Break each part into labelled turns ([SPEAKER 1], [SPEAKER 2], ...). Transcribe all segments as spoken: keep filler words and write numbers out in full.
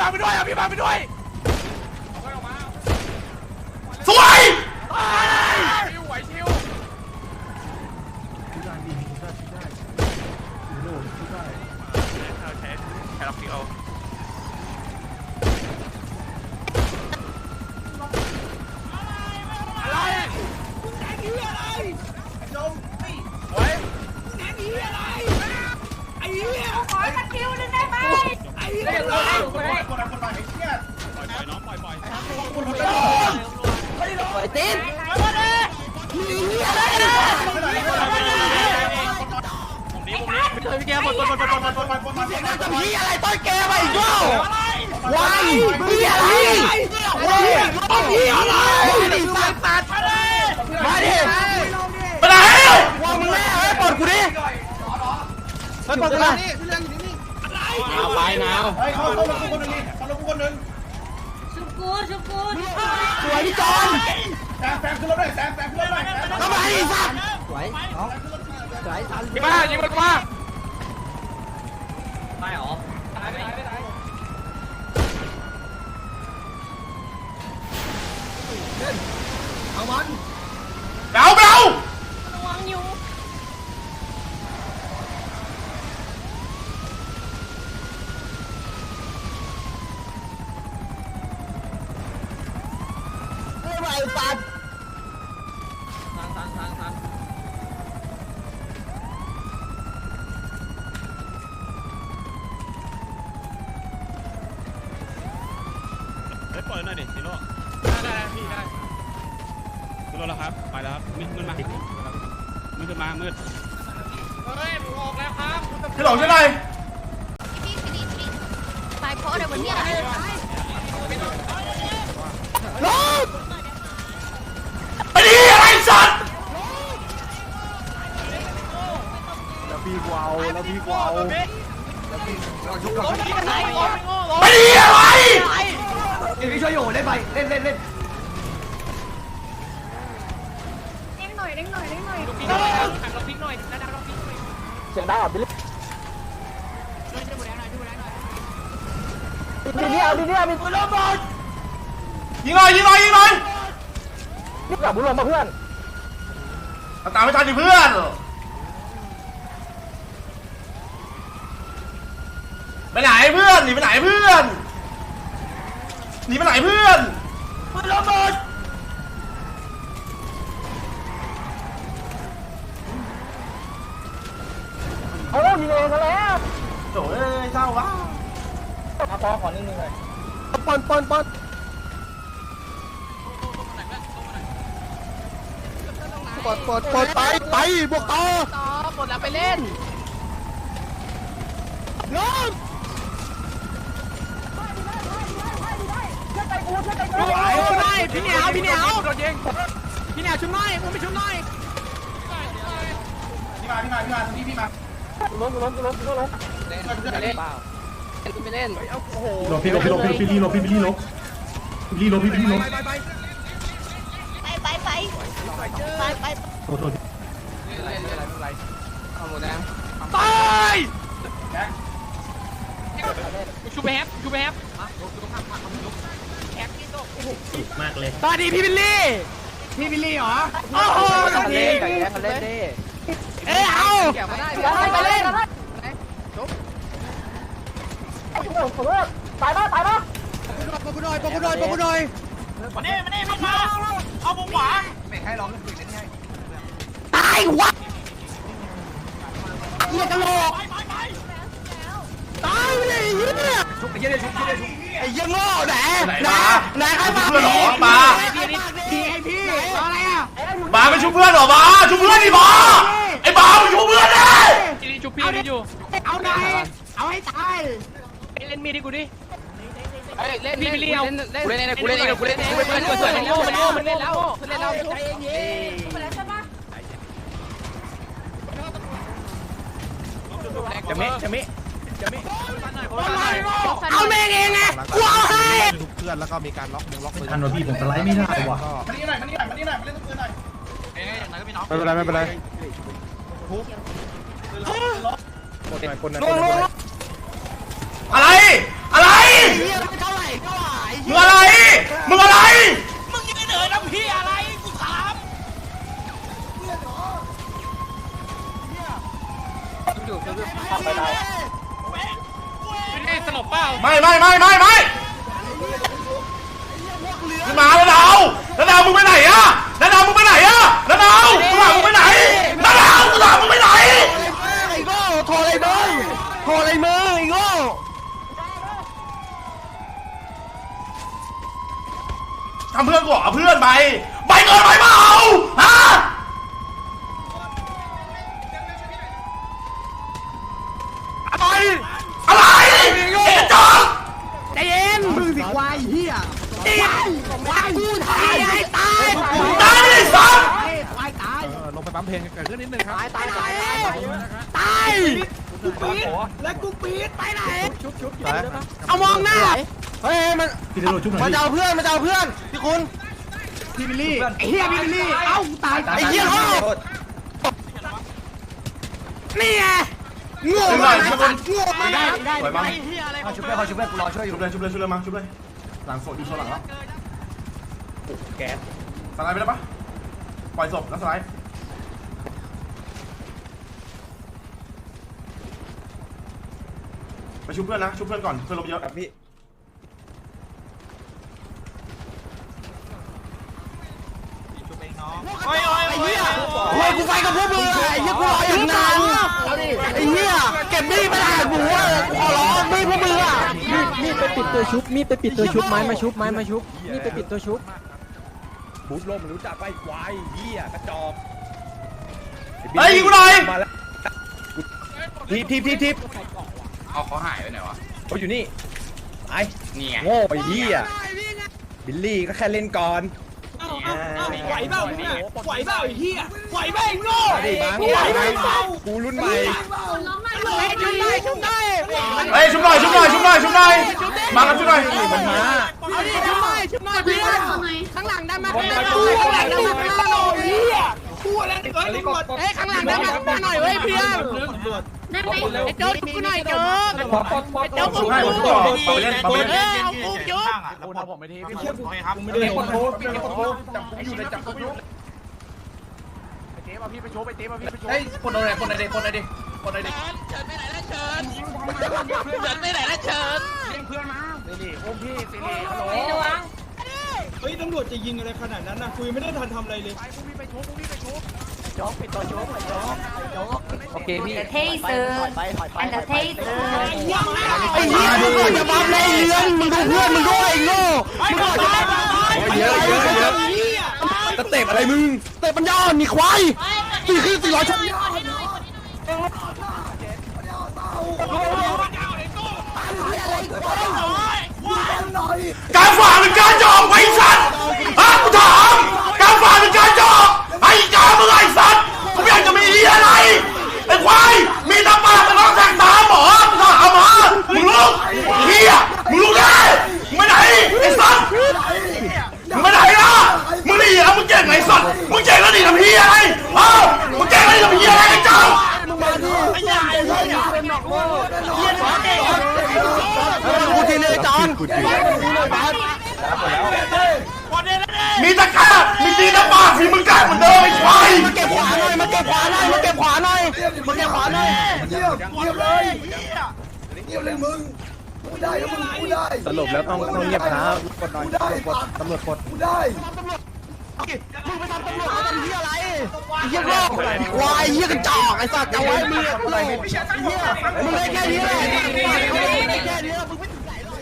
[SPEAKER 1] บังไปด้วยเอาพี่บังไปด้วย
[SPEAKER 2] สวย
[SPEAKER 1] ชิวไหวชิวได้ดีได้ได้โล่ได้เอาใช้แคลอฟิโออะไรแหนกี้อะไรจมโอ้ยแหนกี้อะไรไอ้เหี้ยขอสกิลนึงได้ไหมไอ้เหี้ยเลยคนละคนละคนละไอ้เหี้ยปล่อยปล่อยน้องปล่อยปล่อยคนละคนปล่อยตีนมีเหี้ยอะไรนะพี่แกหมดหมดหมดหมดหมดหมดหมดหมดหมดจะมีอะไรต้นแกมาอีกแล้ววายมีอะไรวายมีอะไรสัตว์สัตว์มาดิไปไหนวางมึงแม่เฮ้ยปลดกูดิเฮ้ยปลดกูดิเอาไปนาวเฮ้ยเข้าเข้าลงกูคนนึงดิเข้าลงกูคนนึงชุบกูชุบกูสวยพี่จอนแซมแซมขึ้นรถเลยแซมแซมขึ้นรถเลยเข้าไปสัตว์สวยน้องสวยทันยิงมายิงมันมาตายหรอตายไม่ตายไม่ตายเอามันเบาเบาระวังอยู่ไม่ไหวปัดทางทางทางทางเฮ้ยปล่อยหน่อยดิซิโร่ได้ได้พี่ได้ซิโร่แล้วครับไปแล้วครับมืดมืดมามืดขึ้นมามืดเฮ้ยผมออกแล้วครับพี่หลงช่วยหน่อย
[SPEAKER 3] ไปโพสเดี๋ยววันนี้อะไร
[SPEAKER 2] ลงไปดิอะไรสัตว์
[SPEAKER 1] แล้วพี่กวาวแล้วพี่กวาวแล้วพี่เราชุบเราชุบ
[SPEAKER 2] ไปดิอะไร
[SPEAKER 1] พี่ช่วยอยู่เล่นไปเล่นเล่นเล่น
[SPEAKER 3] เด้งหน่อยเด้งหน่อยเด้งหน่อย
[SPEAKER 1] เราพิกหน่อยเราพิกหน่อยนะเราพิกหน่อย
[SPEAKER 2] เสียงดังอ่ะบิลลี่บิลลี่เอาบิลลี่เอาบิลลี่ลงบอลยิงหน่อยยิงหน่อยยิงหน่อยนี่กลับบุญลงมาเพื่อนตามไม่ทันดิเพื่อนไปไหนเพื่อนหนีไปไหนเพื่อนหนีไปไหนเพื่อนบุญลงบอลเอายิงเองซะแล้วโถ่เอ้ยเศร้าวะมาพอขอนิ่งๆเลยปอนปอนปอนปอดปอดปอดไปไปบวกต่อ
[SPEAKER 3] ต่อปลดแล้วไปเล่น
[SPEAKER 2] น้อง
[SPEAKER 1] ได้พี่เหนียวพี่เหนียวโดนยิงพี่เหนียวชุบหน่อยผมไปชุบหน่อยพี่มาพี่มาพี่มาพี่พี่มา
[SPEAKER 2] ล้มล้มล้มล้ม
[SPEAKER 3] เล่นไปเล่นเปล่าเล่นไปเล่น
[SPEAKER 1] โอ้โห
[SPEAKER 2] ลบพี่ลบพี่ลบพี่ลี่ลบพี่ลี่ลบพี่ลี่ลบพี่ลี่ลบ
[SPEAKER 3] ไปไปไปไปไป
[SPEAKER 2] โทษโทษ
[SPEAKER 3] อะไรอะไรอะไรเอาหมดแล้ว
[SPEAKER 1] ตายชูแบฟชูแบฟ
[SPEAKER 2] มากเลย
[SPEAKER 1] ตอนนี้พี่บิลลี่พี่บิลลี่เหรอโอ้โห
[SPEAKER 3] เล่นเล่นเล่นดิ
[SPEAKER 1] เอ้ยเอา
[SPEAKER 3] เกี่ยวมาได้ไปเล่นจบ
[SPEAKER 2] ไอ้ผมผมว่าตายป่ะตายป่ะ
[SPEAKER 1] ปกูหน่อยปกูหน่อยปกูหน่อยมาเน่มาเน่มามาเอาบุกขวาไม่ให้ร้องคุยกันให้
[SPEAKER 2] ตายวะเหี้ยกะโหลกตายเลยเนี่ย
[SPEAKER 1] ชุบไอ้เหี้ยชุบไอ้เหี้ยชุบ
[SPEAKER 2] ไอ้เหี้ยโง่ไหนไหนไหนใครมา
[SPEAKER 1] เพื่อนหรอมาพี่ให้พี่อะไรอ่ะ
[SPEAKER 2] มาไปชุบเพื่อนหรอมาชุบเพื่อนดิมาไอ้บ้าไปชุบเพื่อนเลย
[SPEAKER 1] ชุบพี่นี่อยู่เอาไหนเอาให้ตายเล่นมีดดิกูดิ
[SPEAKER 3] เล่นพี่บิลลี่เอากูเล่นเองกูเล่นเองกูเล่นเองมันสวยมันโง่มันโง่มันเล่นแล้วมันเล่นแล้วใจเย็นๆไปแล้วใช่ปะ
[SPEAKER 1] จะมิจะมิจะมิ
[SPEAKER 2] เอาเมงเองไงกูเอาให้
[SPEAKER 4] ทุกเพื่อนแล้วก็มีการล็อกมือล็อกมือ
[SPEAKER 2] ทันวะพี่ผมสไลด์ไม่ได้ว่ะ
[SPEAKER 1] มานี่หน่อยมานี่หน่อยมานี่หน่อยมาเล่นตัวปืนหน่อยเอ้ยอย่างไรก็พี่น้อง
[SPEAKER 4] ไม่เป็นไรไม่เป็นไรทุบกดหน่อยกดหน่อย
[SPEAKER 2] อะไรอะไรดาวมึงไปไหนอะนาดาวมึงไปไหนอะนาดาวกูถามมึงไปไหนนาดาวกูถามมึงไปไหน
[SPEAKER 1] ไอ้โง่โทรอะไรมึงโทรอะไรมึงไอ้โง่
[SPEAKER 2] ทำเพื่อนกูเหรอเพื่อนไปไปเกินไปเปล่าฮะอะไรอะไรไอ้กระจอก
[SPEAKER 1] ใจเย็นมึงสิควายเหี้ยควายกูตายให้ตาย
[SPEAKER 2] ตายเลยสัส
[SPEAKER 1] ควายตาย
[SPEAKER 4] ลงไปปั๊มเพลงเกิดขึ้นนิดนึงครับ
[SPEAKER 1] ตายตายตายตายกูปีดและกูปีดไปไหนเอามองหน้าเฮ้ยมันมันจะเอาเพื่อนมันจะเอาเพื่อนพี่คุณพี่บิลลี่ไอ้เหี้ยพี่บิลลี่เอ้าตายไอ้เหี้ยโง่นี่ไงโง่มากโง่มากได้ได้
[SPEAKER 2] สวยมั้ง
[SPEAKER 1] ชุบเพื่อนเขาชุบเพื่อนกูรอช่วยอ
[SPEAKER 2] ชุ
[SPEAKER 1] ยู่
[SPEAKER 2] บเลยชุบเลยชุบเลยมาชุบเลยหลังโซดอยู่โซนหลังแล้ว
[SPEAKER 1] แก๊ส
[SPEAKER 2] สไลด์ไปได้ปะปล่อยศพแล้วสไลด์ไปชุบเพื่อนนะชุบเพื่อนก่อนเพื่อนลบเยอะ
[SPEAKER 1] พี่
[SPEAKER 4] โอ้ยโอ้ย
[SPEAKER 1] ไอ้เหี้ยโอ้ยกูไปกับพวกมึงไอ้เหี้ยกูรออย่างนานไอ้เหี้ยเก็บมีดไม่ได้กูว่ากูขอร้องมีดพวกมึงอ่ะ
[SPEAKER 5] มีดไปปิดตัวชุบ มีดไปปิดตัวชุบ ไม้มาชุบ ไม้มาชุบ มีดไปปิดตัวชุบ
[SPEAKER 4] บูทลมรู้จักไปควายเหี้ยกระจอก
[SPEAKER 2] เฮ้ยยิงกูหน่อย
[SPEAKER 4] มาแล้วทีบทีบทีบทีบเอาเขาหายไปไหนวะเขาอยู่นี่ไอ้นี่ไงโง่ไปเหี้ยบิลลี่ก็แค่เล่นก่อน
[SPEAKER 1] ไหวเปล่ามึงอ่ะไหวเปล่าไอ้เหี้ยไหวเปล่าไอ้โง่
[SPEAKER 4] มาดิบัง
[SPEAKER 1] ไหวเปล่า
[SPEAKER 4] กูรุ่นใหม่
[SPEAKER 1] ชุบได้ชุบได้
[SPEAKER 2] เฮ้ยชุบหน่อยชุบหน่อยชุบหน่อยชุบหน่อยมากันชุบหน่อย
[SPEAKER 4] มันมา
[SPEAKER 1] เอาดิชุบหน่อยชุบหน่อยเพื่อนข้างหลังได้มาข้างหลังได้มาข้างหลังได้มาเหี้ยพูดแล้วเอ้ยตำรวจเอ้ยข้างหลังได้มาหน่อยเว้ยเพื่อนไอ้โจ๊กกูหน่อยโจ๊กไอ้โจ๊ก
[SPEAKER 2] ชุบให้ผมชุบต่อมาไปเล่นมาไปเล่น
[SPEAKER 1] เออเอากูโจ๊ก
[SPEAKER 4] กูทำผมไม่ทีพี่คนครับไม่ได้คนโพสพี่คนโพสจับอยู่ในจับกูอยู่เจ๊มาพี่ไปโชว์ไปเจ๊มาพี่ไปโชว์เฮ้ยคนอะไรคนอะไรคนอะไรคนอะไร
[SPEAKER 3] เฉินไปไหนแล้วเฉินเฉินไปไหนแล้วเฉิน
[SPEAKER 4] สิริโอ้พี่สิริฮัลโหล
[SPEAKER 6] เฮ้ยตำรวจจะยิงอะไรขนาดนั้นนะคุยไม่ได้ทันทำอะไรเลย
[SPEAKER 4] ไปพวกพี่ไปโชว์พวกพี่ไปโชว์
[SPEAKER 5] โอเคพี่
[SPEAKER 7] เทเซอร์อันเดอร์เทเซอร์
[SPEAKER 1] ไอ้เหี้ยมึงก่อนจะบัฟเลยเรือนมึงดูเพื่อนมึงด้วยไอ้โง่มึงก่อนจะบัฟ
[SPEAKER 4] เยอะเยอะเยอะสเต็ปอะไรมึง
[SPEAKER 1] เตะปัญญาอ่อนนี่ควายสี่คือสี่ร้อยชั่วโมง
[SPEAKER 2] การฝ่าเป็นการจอกไอ้สัตว์ฮะกูถามการฝ่าเป็นการจอกไอ้กามึงไอ้สัตว์กูไม่อยากจะมีอะไรไอ้ควายมีตาปากตะน้องแทงตาหมอมึงถามมามึงลุกเฮียมึงลุกได้มึงไปไหนไอ้สัตว์มึงไปไหนล่ะมึงนี่แล้วมึงเก่งไอ้สัตว์มึงเก่งแล้วนี่ทำเฮียอะไรฮะมึงเก่งแล้วนี่ทำเฮียอะไรไอ้เจ้า
[SPEAKER 1] กูทีเลยจอน
[SPEAKER 2] มีตะกร้ามีตีตะปาฝีมึงกัดเหมือนเดิมไอ้ควาย
[SPEAKER 1] มาเก็บขวาหน่อยมาเก็บขวาหน่อยมาเก็บขวาหน่อยมาเก็บขวาหน่อย
[SPEAKER 4] สรุปแล้วต้องต้องเงียบนะกดหน่อยกดตำรวจกด
[SPEAKER 1] มึงไปทำตำรวจมาทำเหี้ยอะไรเหี้ยโง่ควายเหี้ยกระจอกไอ้สัตว์เอาไว้มึงอะไรมึงได้แค่นี้แหละได้แค่นี้มึงไม่ถึงไหนหรอก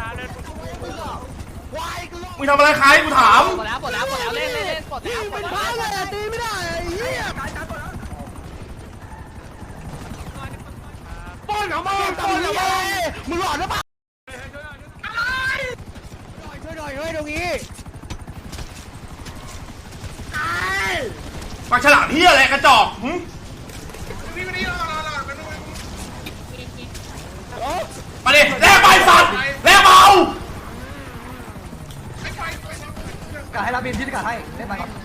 [SPEAKER 1] ควายกู
[SPEAKER 2] มึงทำอะไรใครกูถาม
[SPEAKER 3] หมดแล้วหมดแล้วหมดแล้วเล่นเล่นเล่นหมดแล้ว
[SPEAKER 1] เป็นพระเลยตีไม่ได้ไอ้เหี้ยป้อนของมึงป้อนของมึงมึงหลอนหรือเปล่าช่วยหน่อยช่วยตรงนี้
[SPEAKER 2] ปากฉลามเฮียอะไรกระจอกหึมาดิแลกใบสัตว์แลกเบา
[SPEAKER 1] กัดให้รับบินพี่กัดให้ได้ไหมครับ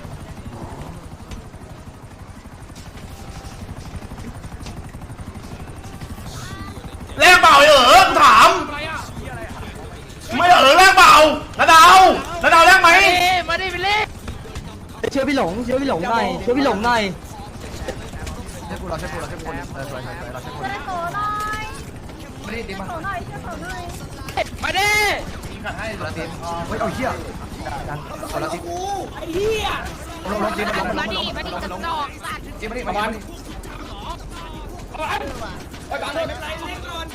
[SPEAKER 2] แลกเบาเออกูถามไม่เออแลกเบานาดาวนาดาวแลกไหม
[SPEAKER 3] มาดิบิลลี่
[SPEAKER 5] เชื่อพี่หลง เชื่อพี่หลงหน่อย เชื่อพี่หลงหน่อย
[SPEAKER 1] ใช่กูเราใช่กูเราใช่กูเราสวยสวยเราใช่กูไม่ได้ตีมา
[SPEAKER 3] มาดิ
[SPEAKER 1] เฮ้ยเอาเหี้ย
[SPEAKER 4] คนละที
[SPEAKER 6] ไอ้เหี้ย
[SPEAKER 4] ลงลงทีลงลง
[SPEAKER 7] มา
[SPEAKER 4] ล
[SPEAKER 7] ดิ
[SPEAKER 4] ง
[SPEAKER 7] มาดิจะดอกสัตว์
[SPEAKER 4] ทีมาดิมาบอล
[SPEAKER 6] ไปบังเลยไม่เป็นไรเล่นก่อน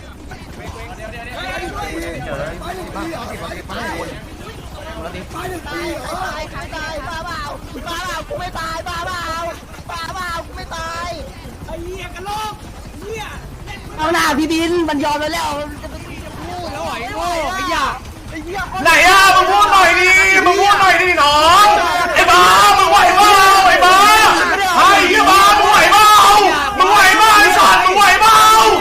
[SPEAKER 4] คนละที
[SPEAKER 7] ตายใครตายบ้าเปล่าบ้าเปล่ากูไม่ตายบ้าเปล่าบ้าเปล่ากูไม่ตาย
[SPEAKER 6] ไอ้เหี้ยกระโลกเหี้ย
[SPEAKER 5] เอาหน้าพี่บินมันยอมไปแล้ว
[SPEAKER 6] แล้วไหวโง่ไอ้ยา
[SPEAKER 2] ไหนอ่ะมึงพูดหน่อยดิมึงพูดหน่อยดิน้องไอ้บ้ามึงไหวเปล่าไอ้บ้าไอ้เหี้ยบ้ามึงไหวเปล่ามึงไหวเปล่าไอ้สัตว์มึงไหวเปล่า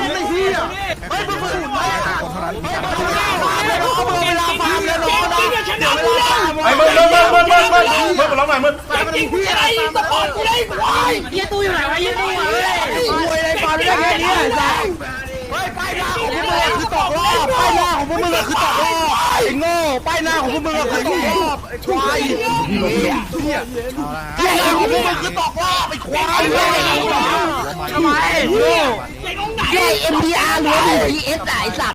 [SPEAKER 2] ไอ้มึงมึงมึงมึงมึงมึงมึงมึงร้องหน่อยมึง
[SPEAKER 6] จริงๆอะไรสปอร์ตกูได้ควาย
[SPEAKER 5] เฮียตู้อยู่ไหนวะเฮียตู้อยู่ไหนรวยอะไรฟันได้แค่นี้ไอ้สัสเฮ้ยป้ายหน้าของพวกมึงคือตกรอบป้ายหน้าของพวกมึงคือตกรอบไอ้โง่ป้ายหน้าของพวกมึงคือตกรอบไอ้ควายป้ายหน้าของพวกมึงคือตกรอบไอ้ควายทำไมโง่เอ็มดีอาร์หรือดีเอสไอ้สัส